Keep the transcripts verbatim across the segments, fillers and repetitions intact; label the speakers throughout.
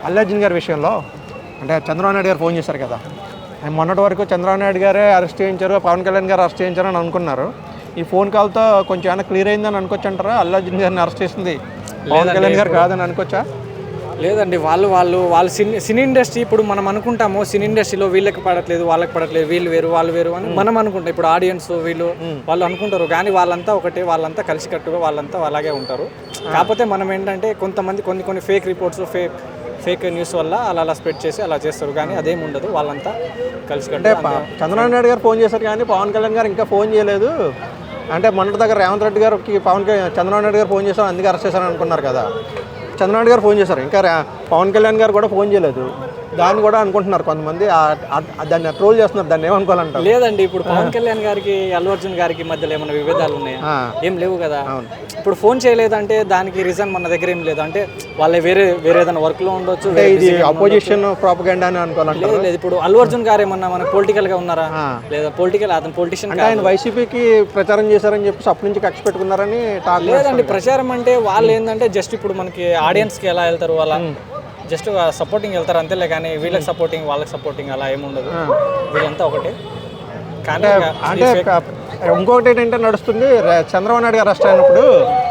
Speaker 1: అల్లు అర్జున్ గారి విషయంలో అంటే చంద్రబాబు నాయుడు గారు ఫోన్ చేశారు కదా, మొన్నటి వరకు చంద్రబాబు నాయుడు గారే అరెస్ట్ చేయించారు, పవన్ కళ్యాణ్ గారు అరెస్ట్ చేయించారు అని అనుకున్నారు. ఈ ఫోన్ కాల్తో కొంచెం ఏమైనా క్లియర్ అయిందని అనుకోవచ్చు అంటారా? అల్లు అర్జున్ గారిని అరెస్ట్ చేసింది పవన్ కళ్యాణ్ గారు కాదని అనుకోవచ్చా?
Speaker 2: లేదండి, వాళ్ళు వాళ్ళు వాళ్ళ సినీ సినీ ఇండస్ట్రీ ఇప్పుడు మనం అనుకుంటాము సినీ ఇండస్ట్రీలో వీళ్ళకి పడట్లేదు వాళ్ళకి పడట్లేదు వీళ్ళు వేరు వాళ్ళు వేరు అని మనం అనుకుంటాం. ఇప్పుడు ఆడియన్స్ వీళ్ళు వాళ్ళు అనుకుంటారు, కానీ వాళ్ళంతా ఒకటే, వాళ్ళంతా కలిసికట్టుగా వాళ్ళంతా అలాగే ఉంటారు. కాకపోతే మనం ఏంటంటే కొంతమంది కొన్ని కొన్ని fake reports fake fake news వల్ల అలా అలా స్ప్రెడ్ చేసి అలా చేస్తారు, కానీ అదేం ఉండదు. వాళ్ళంతా కలిసికట్టు.
Speaker 1: చంద్రబాబు నాయుడు గారు ఫోన్ చేశారు కానీ పవన్ కళ్యాణ్ గారు ఇంకా ఫోన్ చేయలేదు అంటే మొన్నటి దగ్గర రేవంత్ రెడ్డి గారికి పవన్ చంద్రబాబు నాయుడు గారు ఫోన్ చేశారు అందుకే అరెస్ట్ చేశారని అనుకున్నారు కదా. చంద్రబాబు నాయుడు గారు ఫోన్ చేశారు, ఇంకా పవన్ కళ్యాణ్ గారు కూడా ఫోన్ చేయలేదు. దాన్ని కూడా అనుకుంటున్నారు కొంతమంది, దాన్ని ట్రోల్ చేస్తున్నారు. దాన్ని ఏమనుకోవాలంటారు?
Speaker 2: లేదండి, ఇప్పుడు పవన్ కళ్యాణ్ గారికి అల్లు అర్జున్ గారికి మధ్యలో ఏమైనా విభేదాలు ఉన్నాయా? ఏం లేవు కదా. ఇప్పుడు ఫోన్ చేయలేదంటే దానికి రీజన్ మన దగ్గర ఏం లేదు. అంటే వాళ్ళే వేరే వేరే ఏదైనా వర్క్ లో ఉండొచ్చు,
Speaker 1: ఇది అపోజిషన్ ప్రాపగండా అని అనుకోవాలంటే.
Speaker 2: లేదు, ఇప్పుడు అల్లు అర్జున్ గారు ఏమన్నా మన పొలిటికల్ గా ఉన్నారా? లేదా పొలిటికల్ అతను పొలిటిషియన్
Speaker 1: ఆయన వైసీపీకి ప్రచారం చేశారని చెప్పి అప్పటి నుంచి కక్ష పెట్టుకున్నారని టాక్.
Speaker 2: లేదండి, ప్రచారం అంటే వాళ్ళు ఏంటంటే జస్ట్ ఇప్పుడు మనకి ఆడియన్స్ కి ఎలా వెళ్తారు వాళ్ళ జస్ట్ సపోర్టింగ్ వెళ్తారు అంతేలే, కానీ వీళ్ళకి సపోర్టింగ్ వాళ్ళకి సపోర్టింగ్ అలా ఏముండదు. వీళ్ళంతా ఒకటే.
Speaker 1: కానీ అంటే ఇంకొకటి ఏంటంటే నడుస్తుంది, చంద్రబాబు నాయుడు గారు అరెస్ట్ అయినప్పుడు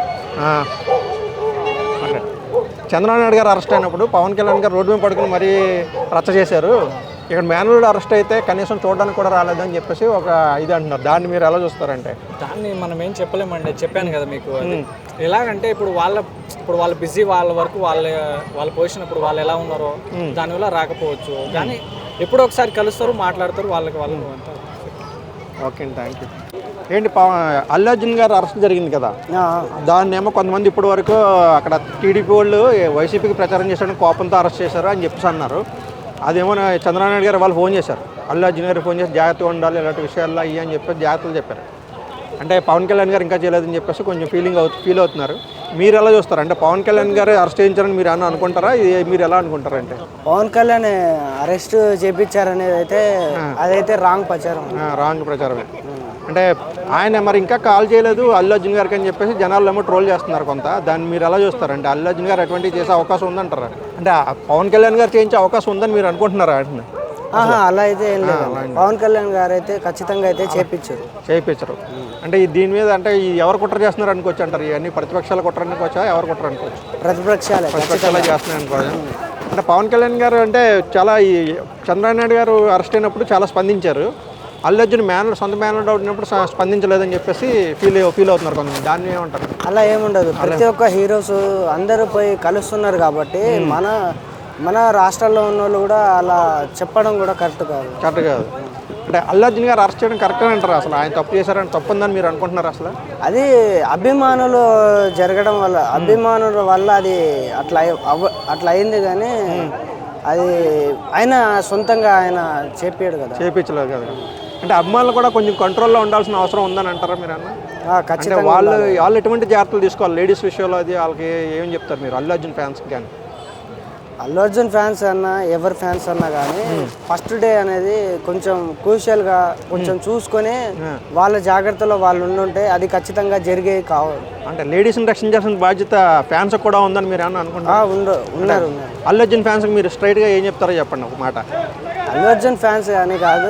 Speaker 1: చంద్రబాబు నాయుడు గారు అరెస్ట్ అయినప్పుడు పవన్ కళ్యాణ్ గారు రోడ్డు మీద పడుకుని మరీ రచ్చ చేశారు. ఇక్కడ మేనల్లుడు అరెస్ట్ అయితే కనీసం చూడడానికి కూడా రాలేదని చెప్పేసి ఒక ఇది అంటున్నారు. దాన్ని మీరు ఎలా చూస్తారంటే?
Speaker 2: దాన్ని మనం ఏం చెప్పలేమండి, చెప్పాను కదా మీకు. ఎలాగంటే ఇప్పుడు వాళ్ళ ఇప్పుడు వాళ్ళు బిజీ వాళ్ళ వరకు వాళ్ళ వాళ్ళ పొజిషన్ ఇప్పుడు వాళ్ళు ఎలా ఉన్నారో దానివల్ల రాకపోవచ్చు, కానీ ఎప్పుడో ఒకసారి కలుస్తారు, మాట్లాడతారు, వాళ్ళకి వాళ్ళు అంతా.
Speaker 1: ఓకే అండి, థ్యాంక్ యూ. ఏంటి అల్లు అర్జున్ గారు అరెస్ట్ జరిగింది కదా, దాన్ని ఏమో కొంతమంది ఇప్పటి వరకు అక్కడ టీడీపీ వాళ్ళు వైసీపీకి ప్రచారం చేశారని కోపంతో అరెస్ట్ చేశారు అని చెప్పేసి అన్నారు. అదేమో చంద్రబాబు నాయుడు గారు వాళ్ళు ఫోన్ చేశారు, అల్లు అర్జున్ గారు ఫోన్ చేసి జాగ్రత్తగా ఉండాలి ఇలాంటి విషయాల్లో అయ్యి అని చెప్పేసి జాగ్రత్తలు చెప్పారు. అంటే పవన్ కళ్యాణ్ గారు ఇంకా చేయలేదని చెప్పేసి కొంచెం ఫీలింగ్ అవుతు ఫీల్ అవుతున్నారు. మీరు ఎలా చూస్తారు? అంటే పవన్ కళ్యాణ్ గారు అరెస్ట్ చేయించారని మీరు ఏమన్నా అనుకుంటారా? మీరు ఎలా అనుకుంటారా? అంటే
Speaker 3: పవన్ కళ్యాణ్ అరెస్ట్ చేయించారనేది అయితే అదైతే రాంగ్ ప్రచారం,
Speaker 1: రాంగ్ ప్రచారమే. అంటే ఆయన మరి ఇంకా కాల్ చేయలేదు అల్లు అర్జున్ గారికి అని చెప్పేసి జనాలు ఏమో ట్రోల్ చేస్తున్నారు కొంత. దాన్ని మీరు ఎలా చూస్తారు? అంటే అల్లు అర్జున్ గారు అటువంటివి చేసే అవకాశం ఉందంటారా? అంటే పవన్ కళ్యాణ్ గారు చేయించే అవకాశం ఉందని మీరు అనుకుంటున్నారా? అంటే
Speaker 3: అలా అయితే ఏం లేదు, పవన్ కళ్యాణ్ గారు అయితే ఖచ్చితంగా అయితే చేయించారు
Speaker 1: చేయించారు అంటే దీని మీద అంటే ఎవరు కుట్ర చేస్తున్నారు అనుకోవచ్చు అంటారు? ఇవన్నీ ప్రతిపక్షాలు కుట్ర అనుకోవచ్చా, ఎవరు కుట్ర అనుకోవచ్చు?
Speaker 3: ప్రతిపక్షాలు
Speaker 1: ప్రతిపక్షాలు చేస్తున్నాయి అనుకోవచ్చు. అంటే పవన్ కళ్యాణ్ గారు అంటే చాలా ఈ చంద్రబాబు నాయుడు గారు అరెస్ట్ అయినప్పుడు చాలా స్పందించారు. అల్లు అర్జున్ మ్యాన్ సొంత మ్యాన్ అవుతున్నప్పుడు స్పందించలేదని చెప్పేసి ఫీల్ ఫీల్ అవుతున్నారు కొంచెం. దాన్ని ఏమంటారు?
Speaker 3: అలా ఏముండదు, ప్రతి ఒక్క హీరోస్ అందరూ పోయి కలుస్తున్నారు కాబట్టి మన మన రాష్ట్రాల్లో ఉన్న వాళ్ళు కూడా అలా చెప్పడం కూడా కరెక్ట్ కాదు
Speaker 1: కరెక్ట్ కాదు అంటే అల్లు అర్జున్ గారు అరెస్ట్ చేయడం కరెక్ట్ అంటారు? అసలు ఆయన తప్పు చేశారని తప్పు ఉందని మీరు అనుకుంటున్నారు? అసలు
Speaker 3: అది అభిమానులు జరగడం వల్ల అభిమానుల వల్ల అది అట్లా అట్లా అయింది, కానీ అది ఆయన సొంతంగా ఆయన చేపించాడు కదా,
Speaker 1: చేపించలేదు కదా. అంటే అభిమానులు కూడా కొంచెం కంట్రోల్లో ఉండాల్సిన అవసరం ఉందని అంటారా మీరు? అన్న
Speaker 3: ఖచ్చితంగా
Speaker 1: వాళ్ళు వాళ్ళు ఎటువంటి జాగ్రత్తలు తీసుకోవాలి లేడీస్ విషయంలో? అది వాళ్ళకి ఏం చెప్తారు మీరు అల్లు అర్జున్ ఫ్యాన్స్కి? కానీ
Speaker 3: అల్లు అర్జున్ ఫ్యాన్స్ అన్నా ఎవరి ఫ్యాన్స్ అన్నా కానీ ఫస్ట్ డే అనేది కొంచెం క్రూషియల్గా కొంచెం చూసుకొని వాళ్ళ జాగ్రత్తలో వాళ్ళు ఉండుంటే అది ఖచ్చితంగా జరిగేవి కావాలి.
Speaker 1: అంటే లేడీస్ని రక్షించాల్సిన బాధ్యత ఫ్యాన్స్ కూడా ఉందని మీరు ఏమన్నా అనుకుంటారు?
Speaker 3: ఉన్నారు ఉన్నారు
Speaker 1: అల్లు అర్జున్ ఫ్యాన్స్కి మీరు స్ట్రైట్గా ఏం చెప్తారో చెప్పండి ఒక మాట.
Speaker 3: అల్లు అర్జున్ ఫ్యాన్స్ కానీ కాదు,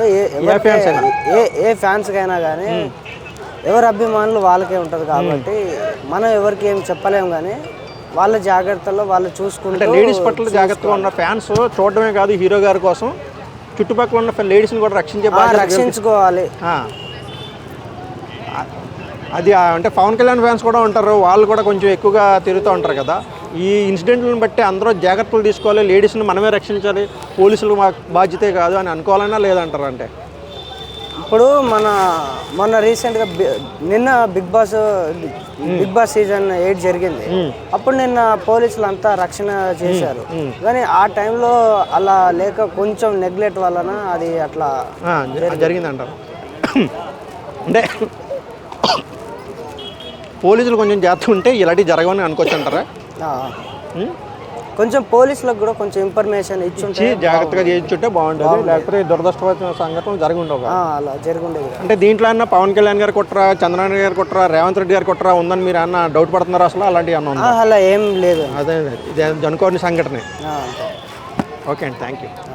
Speaker 3: ఏ ఏ ఫ్యాన్స్కైనా కానీ ఎవరి అభిమానులు వాళ్ళకే ఉంటుంది కాబట్టి మనం ఎవరికి ఏం చెప్పలేము, కానీ వాళ్ళ జాగ్రత్తలో వాళ్ళు చూసుకుంటే
Speaker 1: లేడీస్ పట్ల జాగ్రత్తగా ఉన్న ఫ్యాన్స్ చూడడమే కాదు హీరో గారి కోసం చుట్టుపక్కల ఉన్న లేడీస్ని కూడా రక్షించే
Speaker 3: రక్షించుకోవాలి.
Speaker 1: అది అంటే పవన్ కళ్యాణ్ ఫ్యాన్స్ కూడా ఉంటారు, వాళ్ళు కూడా కొంచెం ఎక్కువగా తిరుగుతూ ఉంటారు కదా. ఈ ఇన్సిడెంట్లను బట్టి అందరూ జాగ్రత్తలు తీసుకోవాలి, లేడీస్ని మనమే రక్షించాలి, పోలీసులు మా బాధ్యతే కాదు అని అనుకోవాలన్నా లేదంటారు? అంటే
Speaker 3: ఇప్పుడు మన మొన్న రీసెంట్గా నిన్న Bigg Boss Bigg Boss season eight జరిగింది, అప్పుడు నిన్న పోలీసులు అంతా రక్షణ చేశారు, కానీ ఆ టైంలో అలా లేక కొంచెం నెగ్లెక్ట్ వలన అది అట్లా
Speaker 1: జరిగిందంటారు. అంటే పోలీసులు కొంచెం జాగ్రత్తగా ఉంటే ఇలాంటివి జరగవని అనుకోవచ్చు అంటారా?
Speaker 3: కొంచెం పోలీసులకు కూడా కొంచెం ఇన్ఫర్మేషన్ ఇచ్చి
Speaker 1: జాగ్రత్తగా చేయించుంటే బాగుంటుంది, లేకపోతే దురదృష్టమైన సంఘటనలు జరిగి ఉండవు.
Speaker 3: అలా జరిగి ఉండేది.
Speaker 1: అంటే దీంట్లో అన్న పవన్ కళ్యాణ్ గారు కుట్ర, చంద్రబాబు గారు కుట్ర, రేవంత్ రెడ్డి గారు కుట్ర ఉందని మీరు అన్న డౌట్ పడుతున్నారు? అసలు అలాంటివి అన్న
Speaker 3: అలా ఏం లేదు,
Speaker 1: అదే ఇది అనుకోని సంఘటనే. ఓకే అండి థ్యాంక్ యూ